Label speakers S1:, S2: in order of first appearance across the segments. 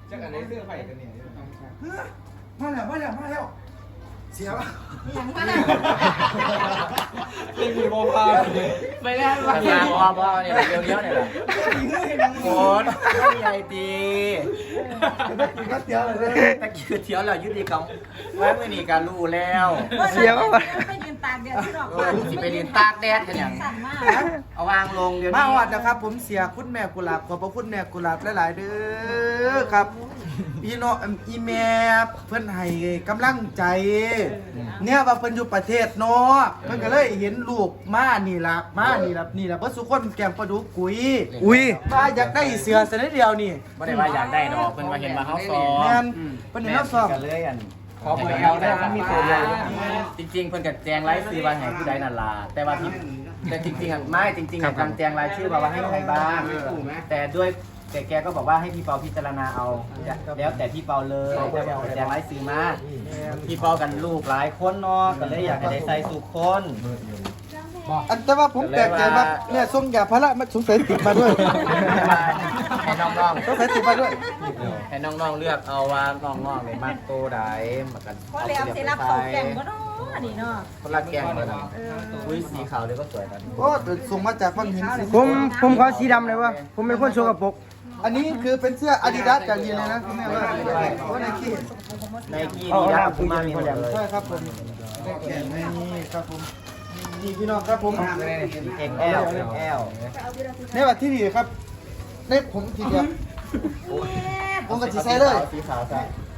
S1: จากอันไหนเสื้อไผ่กันเนี่ย
S2: มาแล้วเสียป่ะ
S3: อย่างมาแล้ว
S1: เป็นมีโมพา
S4: ไปแล้ววางบอเนี่ยเลี้ยวเนี่ยแหละโคตรใหญ่ดี
S2: ก็เสียเลย
S4: ตะกี้เที่ยวแล้วยุติกรรมไว้ไม่มีการรู้แล้ว
S3: เสียป่ะไปยืนตากแดดที่ดอก
S4: สิไปเรียนตากแดดกันอย่าง
S3: สั่นมาก
S4: เอาวางลงเดี๋ยว
S2: มา
S4: นี้
S2: วัดนะครับผมเสียคุณแม่กุหลาบขอบพระคุณแม่กุหลาบหลายๆเด้อครับพี่น้องอีแม่เพิ่นให้กำลังใจเนี่ยว่าเพิ่นอยู่ประเทศนอกเพิ่นก็เลยเห็นลูกมานี่ล่ะเพิ่นสุคนแกงปลาดุกกุยว่าอยากได้เสือซะนิดเดียวนี่
S4: ไม่ได้ว่าอยากได้ดอกเพิ่นมาเห็นมาเขาซ้อ
S2: แม่
S4: ม
S2: นเพิ่นเห็นเฮาซ้อม
S4: กันเลยอัน
S1: ขอเบอร์เอาได้ครับมีตัวใหญ่
S4: จริงๆเพิ่นกับแจงรายชื่อว่าให้ผู้ใดนั่นล่ะแต่ว่าที่แต่จริงๆอ่ะไม่จริงๆอ่ะการแจงรายชื่อว่าให้ใครบ้างแต่ด้วยแกก็บอกว่าให้พี่เปาพิจารณาเอาแล้วแต่พี่เปาเลยแต่แจงรายชื่อมาพี่เปากันลูกหลายคนเนาะก็เลยอยากให้ได้ใส่สุขคน
S2: อันแต่ว่าผมแปลกใจว่าเนี่ยส่งยาพารามาสงสัยติดมาด้วย
S4: ให้น้อง
S2: สงสัยติดมาด้วย
S4: ๆให้น้องๆเลือกเอาว่าน้องๆในมากโตใดมากัน
S3: เพราะแล้วเสร็จแล้วเขาแก่งก็เนาะนี่เนาะ
S4: คนละแกงเลยนะอุ้ยสีขาวเดี๋ยวก็สวยกัน
S2: โอ้ส่งมาจากฟังหิน
S5: ผมขอสีดำเลยวะผมเป็นคนโชว์กระปก
S2: อันนี้คือเป็นเสื้ออาดิดาสจากยีนเลยนะคุณแม่ว่าโอ้ไนกี้
S4: ในกี้ดีนะคุณมามีหมดเลย
S2: ใช่ครับผมนี่ครับผมนี่พี่น้องครับผม
S4: XL
S2: ในวัดที่ดีครับในผมทีเดียวผมก็จะใส่เลย
S4: สีขาวใส่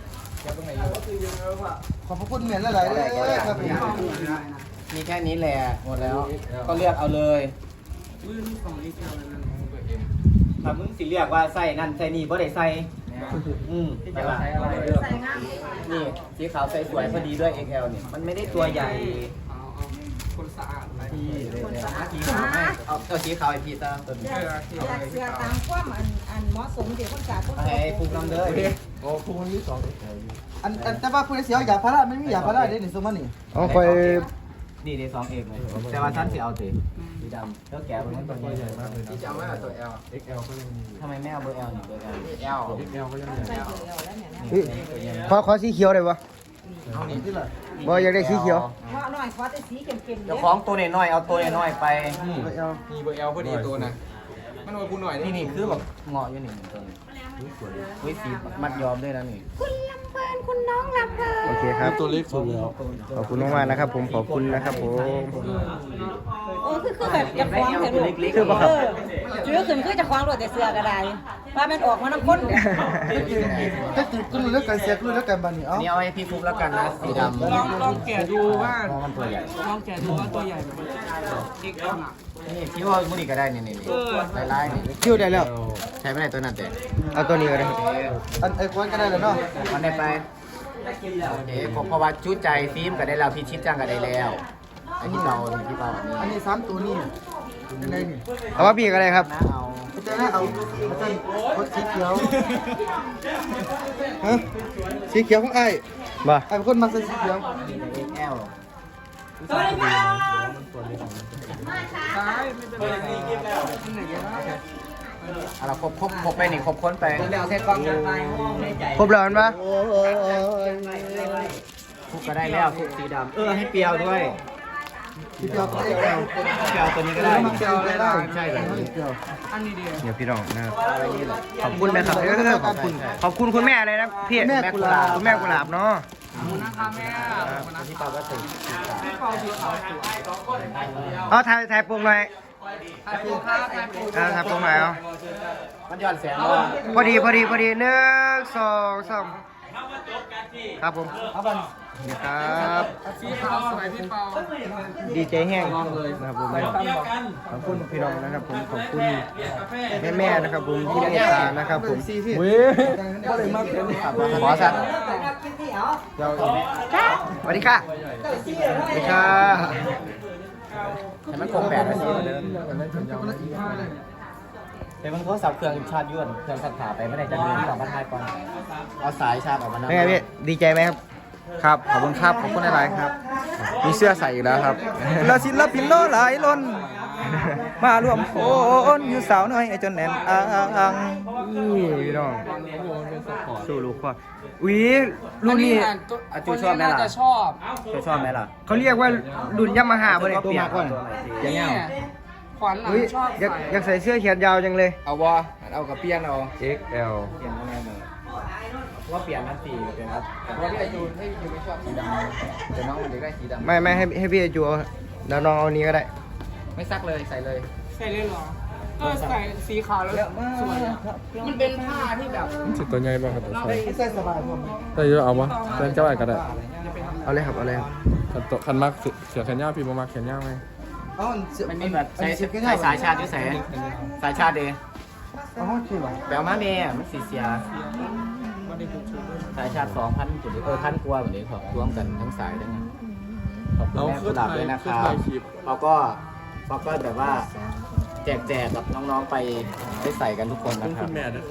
S2: ขอบพระคุณเหมือนหลายๆเลยครับผม
S4: มีแค่นี้แหละหมดแล้ว ก็เลือกเอาเลยถ้ามึงสิเลือกว่าใส่นั่นใส่นี่บ่ได้ใส่แต่ว่า
S3: ใส่งาม
S4: นี่สีขาวใส่สวยพอดีด้วย XL นี่มันไม่ได้ตัวใหญ่
S1: คนสะอาดอะไร
S4: สีขาวให้เอาสีขาวไอพีตามตัวนี้
S3: อยากเสื้อตามความอันเหมาะสมเดี๋ยวคนสาคน
S4: ให้ฟูกน้ำเด้อ
S1: โอ้คู่คนที่สอง
S2: อันแต่ว่าคุณเสียวยาพาราไม่มียาพาราเด้นี่สมมานี่
S5: เอาคอย
S4: นี่ได้2 เอกเลยแต่ว่าท่านสิเอาสีดำแล้วแกะมันตัวใหญ่มากเลย
S1: ที่จะเอาไว้ตัว L XL ก็ยังมี
S4: ทำไมไม่เอาเบอร์ L นี่เบอร์ L
S1: L XL ก็ยังมี
S3: ใส่เดียวแล้วเนี่ย
S5: ขอสีเขียวเลยวะ
S1: เอานี่ที่ละ
S5: บ่อยากได้สีเขียว
S3: เพราะหน่อยเพราะแต่สีเข้มๆ
S4: เจ้าของตัวน้อยๆเอาตัวน้อยๆไป
S1: มีเบอร์ L พอดีตัวนะมันโอ้ยกูหน่อย
S4: นี่คือแบบเหงาะอยู่นี่ตัวนี้อุ้ยสีมัดยอมด้วยนะนี่
S3: คุณลำเพลินคุณน้องลำเพลิน
S5: โอเคครับ
S1: ตัวเล็กสุดแล้ว
S5: ขอบคุณมากๆนะครับผมขอบคุณนะครับผม
S3: โอ้คือแบบจะคล้องเถอะลูกจื้อขึ้นคือจะคล้องรถแต่เสื้อก็ได้ว่ามันออกมาน้ำข้นเนี่ย
S2: ถ้าติดก็รู้แล้วกันเสียก็รู้แล้วกันบัดนี้เอ้า
S4: นี่เอาให้พี่ฟุกแล้วกันนะสีดำ
S1: ลองแกะดูว่า
S4: มันตัวใหญ่
S1: ลองแกะดูว่าตัวใหญ่ไหม XL น่ะ
S4: นี่คิดว่ามุนี่ก็ได้นี่ลายนี่
S5: คิวได้แล้ว
S4: ใช้ไม่ได้ตัวนั้นแต่
S5: เอาตัวนี้ก็ได้
S2: อันไอ้คนก็ได้แล้วเนาะ
S4: มันได้ไปโอเคเพราะว่าชุดใจฟิล์มก็ได้แล้วพี่ชิดจ้างก็ได้แล้วไอ้ที่เปาที่เปา
S2: อันนี้3ตัวนี่ยังไงนี่
S5: เอาว่าพี่ก็ได้ครับ
S4: นะเอา
S2: อาจารย์เอาอาจารย์กดสีเขียวฮะสีเขียวของไอ้
S5: บ่
S2: ไอ้เป็นคนมักใส่สีเขียว
S4: แอล
S1: ซ้ายไม่เป็นไรที่ไหนกัน
S4: อะไรครบไปนี่ครบค้นไปแล้วเส้นกล้องกันไป
S5: ครบแล้วมันปะ
S4: ทุกก็ได้แล้วทุกสีดำให้เปียวด้วย
S2: สีเขียวของไอ้แก้ว
S4: เปียวตัวนี้ก็ได้
S2: มักเขียวได้
S4: ใช่เลย
S2: เขียว
S1: อันนี้ดี
S5: เดี๋ยวพี่น้องนะครับขอบคุณนะครับขอบคุณคุณแม่เลยนะพี่
S2: แม่กุหลาบ
S5: คุณแม่กุหลาบเนาะ
S1: นะคะแม่
S4: ที่เปาก็ถึง
S1: พี่เปาสีขาวสวย
S5: เอาถ่ายปกหน่อย
S1: ถ่ายปูผ้าถ่ายปู
S5: ถ่ายปกหน่อยเอา
S4: มันย้อนแสง
S5: พอดี1 2 3ครับผม
S2: เอาบัน
S5: นี่ครับ
S1: สีขาวสวยพี่เปา
S5: ดีใจแห้งนะครับผมขอบคุณพี่น้องนะครับผมขอบคุณแม่ๆนะครับผมที่เมตตานะครับผม
S2: สีพี่
S5: เว้ย
S2: ก็เลยมักเป็น
S4: ขอสัก
S5: สวัสดีค่ะสวัสดีค่ะ
S4: ให้มันคง8 นาทีแต่มันโทรศัพท์เครื่องชาร์จยุ่นเครื่องสักขาไปไม่ได้จะเดิน2 บรรทัดก่อนเอาสายชาร์จออกมา
S5: เป็นไงพี่ดีใจไหมครับ
S6: ครับขอบคุณครับขอบคุณหลายๆครับ มีเสื้อใส่อีกแล้วครับและศิลปินโลหลายล้น มารวมโอนอยู่สาวน้อยไอจนแน่นอ่าง
S5: นี่พี่น้องสู้ลูกพ่ออุ้ยรุ่นนี้
S4: อาจูชอบไหมล่ะ
S1: จะชอบ
S4: ชอบไหมล่ะ
S5: เขาเรียกว่ารุ่นยามาฮ่าบ่ได้
S4: ตัวมาก่อน
S5: อย่างเงี้ย
S1: ขวัญหลัง
S5: อุ้ย
S1: ชอบ
S5: อยากใส่เสื้อแขนยาวจังเลย
S1: เอาวะเอากับเปียนเอา
S5: XL
S4: เปลี่ยนยังไงมึงว่าเปลี่ยนนั่นสิเปลี่ยนครับ
S1: เพราะพี่ไอจูนให้พี่ไม่ชอบสีดำแต่น้องมันจะได้สีดำ
S5: ไม่ให้พี่จูเอาแล้วน้องเอานี้ก็ได้
S1: ไม่ซักเลยใส่เลย
S7: ใส่เลยเหรอ ก็ใส่สีขาวแล้วสวยอะมันเป็นผ้าที่แบบ
S6: สิตัวใหญ่ป่ะครับ
S2: ใส่สบายผม
S6: ได้เยอะเอาปะเส้นเจ้าไอ้ก็ได้
S5: เอาเลยครับเอาเลยครับ
S6: คันมักเสือแขนยาวพี่บ่มักแขนยาวไหม
S4: มันมีแบบใส่สายชาติด้วยใส่สายชาติเดย์
S2: อ๋อจริงเหรอ
S4: แปลมาเมย์มันสีเสียสายชาติ2,000จุดพันกว่าแบบนี้ครับรวมกันทั้งสายทั้งนั้นขอบคุณแม่กุหลาบด้วยนะครับเราก็แบบว่าแจกกับน้องๆไปได้ใส่กันทุกคนนะครับ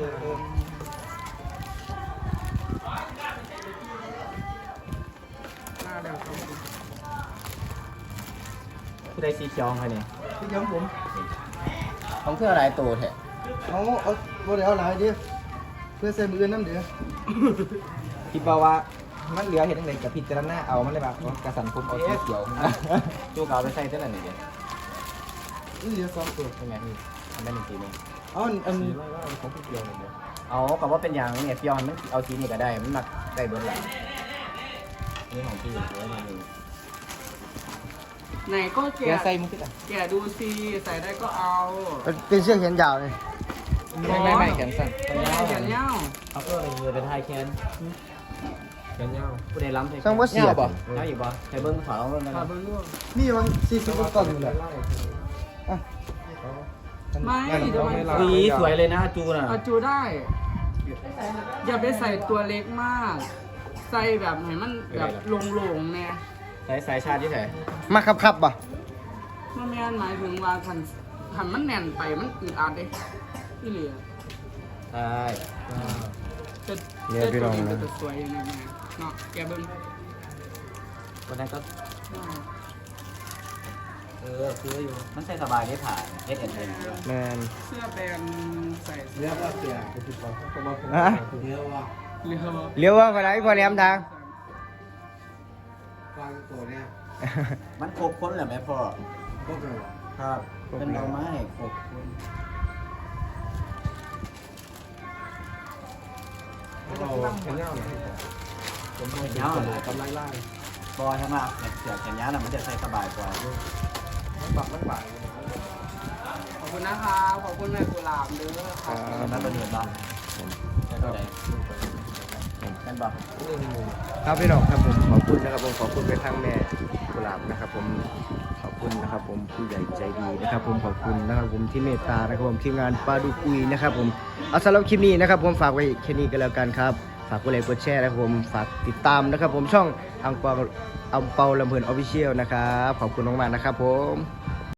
S4: ผู้ใดสีเขียวใครเนี่ย
S2: พี่ย้ำผม
S4: ของเพื่ออะไรตัวแท้
S2: เอาบ่ได้เอาหลายดิเพื่อใส่มืออื่นน้ำเดือ
S1: คิดว่ามันเหลือเห็นอะไรกับพิจารณาเอามันเลยแบบกระสันผมเอาสีเขียว
S4: จูเก่าไปใส่เท่าไหร่เนี่ย
S2: นี่เหลือสองตัว
S4: ใช่ไหมพี่ทำได้หนึ่งทีนึง
S2: เอาอัน
S4: เอากับว่าเป็นอย่างเนี่ยพี่ยอนมันเอาทีนี้ก็ได้มันมักได้เบิร์ดแหละนี่ของพี่ไว้ในมือ
S7: ไหนก็แกะ
S1: เดี๋ยวใส่มุกขึ้นอ่ะ
S7: แกะดูสิใส่ได้ก็เอา
S5: เป็นเสื้อแขนยาวเลย
S1: ไม่แขนสั้น
S7: แขนยาว
S4: เอาเพื่อเป็นมือเป็นไทยแคนผู้ใดล้ำใช่
S5: ช่างว่าเสียบ
S4: น้าอยู่บ่ใช้เบิ้งขอลองเบิ้งกัน
S7: ขาเบิ้งลูก
S2: นี่มัน40กว่าก่อนอยู่แหละ
S7: ไม่ทำไม
S4: สีสวยเลยนะจูน่ะ
S7: เอาจูได้ อย่าไปใส่ตัวเล็กมาก ใส่แบบให้มันแบบโล่งๆแน่
S4: ใส่สายชาติที่ไหน
S5: มาครับป่ะ
S7: มันไม่หมายถึงว่าขันมันแน่นไปมันอึดอัดเลยที่เหลือ
S4: ใช่
S7: จะตัวนี้จะสวยยังไงเนาะแกเบิ้ง
S4: วันนั้นก็คืออยู่มันใส่สบายได้ผ่านเอสเอ็นเอ็นด้วย
S5: แมน
S7: เสื้อแบรนด์ใส่
S2: เรียกว่าเสีย
S5: ฮะ
S2: เรียกว่า
S7: เรือ
S5: เลี้ยวว่าไปไหนพอแหลมทาง
S2: วางตัวเนี่ย
S4: มันครบค้นเหรอแม่พ่อ
S2: พวกเรา
S4: ครับเป็นเราไม้ครบค้น
S6: เราแขนยาวหน่อย
S4: ผมแขนยาวเลยกำลังไล่บอยทั้งหมดเสือแขนยาวน่ะมันจะใส่สบายกว่า
S7: ขอบคุณนะคะขอบคุณแม่กุหลาบเด้อค่ะ
S4: นั่นเป็นเหตุบ้างนั่นเป็นอะไรนั่นบอก
S5: ครับพี่น้องครับผมขอบคุณนะครับผมขอบคุณไปทางแม่กุหลาบนะครับผมขอบคุณนะครับผมผู้ใหญ่ใจดีนะครับผมขอบคุณนะครับผมที่เมตตานะครับผมทีมงานปลาดุกุยนะครับผมเอาสำหรับคลิปนี้นะครับผมฝากไว้แค่นี้ก็แล้วกันครับฝากกดไลค์กดแชร์นะครับผมฝากติดตามนะครับผมช่องอังเปาลำเพลินออฟฟิเชียลนะครับขอบคุณมากๆนะครับผม